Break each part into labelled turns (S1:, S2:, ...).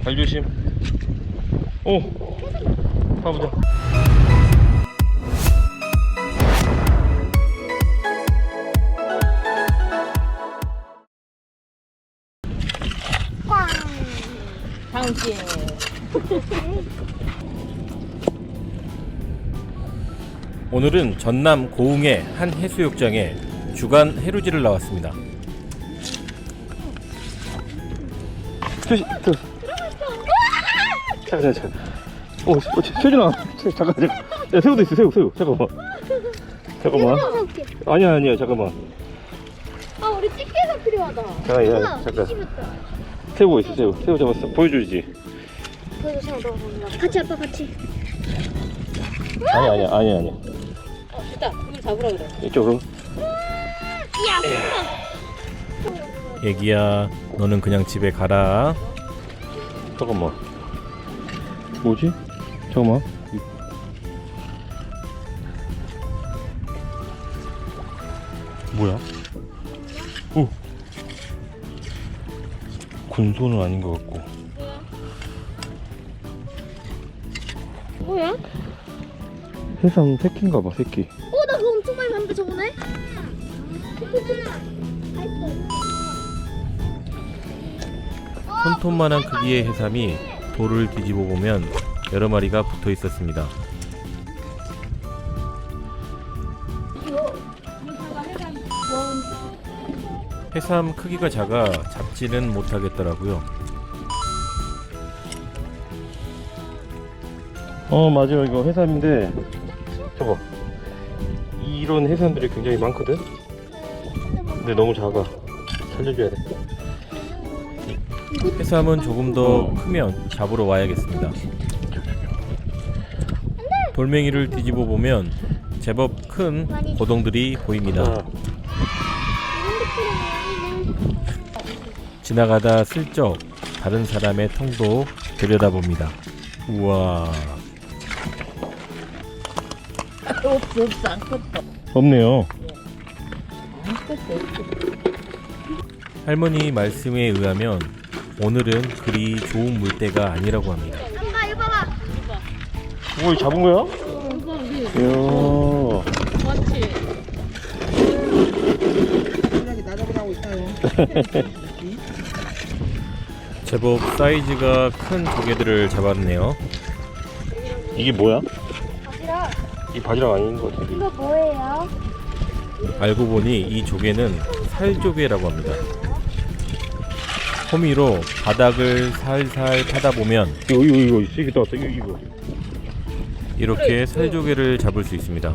S1: 발 조심. 오, 가보자.
S2: 당신.
S1: 오늘은 전남 고흥의 한 해수욕장에 주간 해루지를 나왔습니다. 잠깐. 세준아, 잠깐. 야, 새우도 있어, 새우. 잠깐만. 아니야, 잠깐만.
S3: 아, 우리 집게가 필요하다.
S1: 잠깐. 새우 있어, 새우 잡았어. 보여주지.
S3: 같이 아빠 같이.
S1: 아니야.
S2: 됐다. 그걸 잡으라 그래.
S1: 이쪽으로. 애기야, 너는 그냥 집에 가라. 잠깐만. 뭐지? 잠깐만. 뭐야? 오. 군소는 아닌 것 같고.
S3: 뭐야?
S1: 해삼 새끼인가 봐, 새끼.
S3: 나 그거 엄청 많이 봤는데 저번에?
S1: 손톱만한 크기의 해삼이 돌을 뒤집어 보면 여러 마리가 붙어 있었습니다. 해삼 크기가 작아 잡지는 못하겠더라고요. 맞아요. 이거 해삼인데 저거 이런 해삼들이 굉장히 많거든. 근데 너무 작아. 살려줘야 돼. 해삼은 조금 더 크면 잡으러 와야겠습니다. 돌멩이를 뒤집어 보면 제법 큰 고동들이 보입니다. 지나가다 슬쩍 다른 사람의 통도 들여다봅니다. 우와.
S2: 없어. 아무것도.
S1: 없네요.
S2: 아무것도.
S1: 할머니 말씀에 의하면 오늘은 그리 좋은 물때가 아니라고 합니다.
S3: 엄마 이거 봐봐.
S1: 오, 잡은 거야? 이야.
S2: 맞지?
S4: 나잡으라고 있어요.
S1: 제법 사이즈가 큰 조개들을 잡았네요. 이게 뭐야?
S3: 바지락.
S1: 이 바지락 아닌 것 같은데.
S3: 이거 뭐예요?
S1: 알고 보니 이 조개는 살조개라고 합니다. 호미로 바닥을 살살 파다 보면 이거 세게 나왔다. 이거 이렇게 살조개를 잡을 수 있습니다.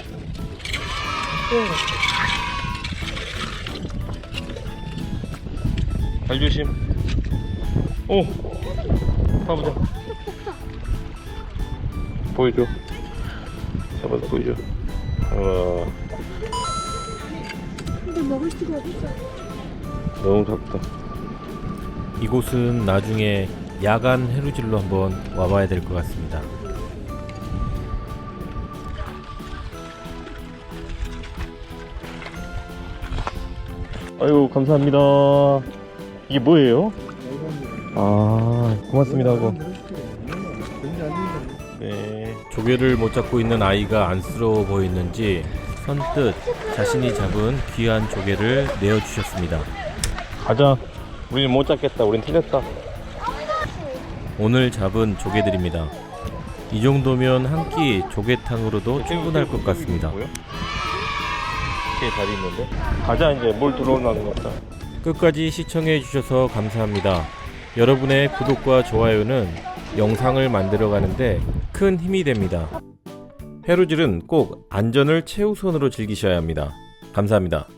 S1: 발 조심. 오, 가보자. 보여줘. 잡아서 보여줘.
S3: 근데 먹을 수가 없어.
S1: 너무 작다. 이곳은 나중에 야간 해루질로 한번 와봐야 될 것 같습니다. 아유, 감사합니다. 이게 뭐예요? 고맙습니다 하고. 네, 조개를 못 잡고 있는 아이가 안쓰러워 보이는지 선뜻 자신이 잡은 귀한 조개를 내어주셨습니다. 가자. 우리는 못 잡겠다. 우린 틀렸다. 오늘 잡은 조개들입니다. 이 정도면 한 끼 조개탕으로도 충분할 것 같습니다. 잘 있는데? 가자. 이제 뭘 들어오는 것 같다. 끝까지 시청해 주셔서 감사합니다. 여러분의 구독과 좋아요는 영상을 만들어 가는데 큰 힘이 됩니다. 해루질은 꼭 안전을 최우선으로 즐기셔야 합니다. 감사합니다.